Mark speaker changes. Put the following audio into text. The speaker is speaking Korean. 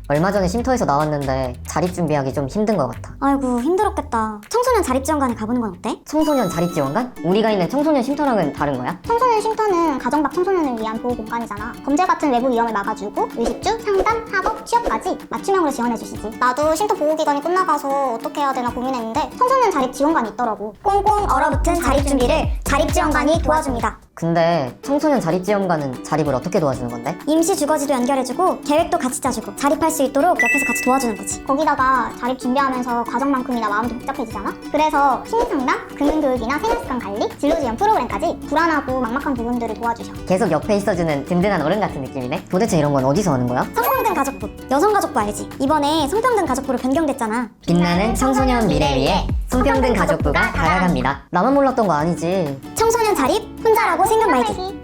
Speaker 1: 얼마 전에 쉼터에서 나왔는데 자립 준비하기 좀 힘든 것 같아.
Speaker 2: 아이고 힘들었겠다. 청소년 자립지원관에 가보는 건 어때?
Speaker 1: 청소년 자립지원관? 우리가 있는 청소년 쉼터랑은 다른 거야?
Speaker 3: 청소년 쉼터는 가정 밖 청소년을 위한 보호 공간이잖아. 범죄 같은 외부 위험을 막아주고 의식주, 상담, 학업, 취업까지 맞춤형으로 지원해주시지. 나도 쉼터 보호기간이 끝나가서 어떻게 해야 되나 고민했는데 청소년 자립지원관이 있더라고. 꽁꽁 얼어붙은 자립 준비를 자립지원관이 도와줍니다.
Speaker 1: 근데 청소년 자립지원관은 자립을 어떻게 도와주는 건데?
Speaker 2: 임시 주거지도 연결해주고 계획도 같이 짜주고 자립할 수 있도록 옆에서 같이 도와주는 거지.
Speaker 3: 거기다가 자립 준비하면서 과정만큼이나 마음도 복잡해지잖아? 그래서 심리상담, 금융교육이나 생활습관 관리, 진로지원 프로그램까지 불안하고 막막한 부분들을 도와주셔.
Speaker 1: 계속 옆에 있어주는 든든한 어른 같은 느낌이네? 도대체 이런 건 어디서 하는 거야?
Speaker 2: 성평등 가족부, 여성가족부 알지? 이번에 성평등 가족부로 변경됐잖아.
Speaker 1: 빛나는 청소년 미래 위에 성평등 가족부가 다가갑니다. 나만 몰랐던 거 아니지?
Speaker 2: 청소년 자립 혼자라고 생각 말기.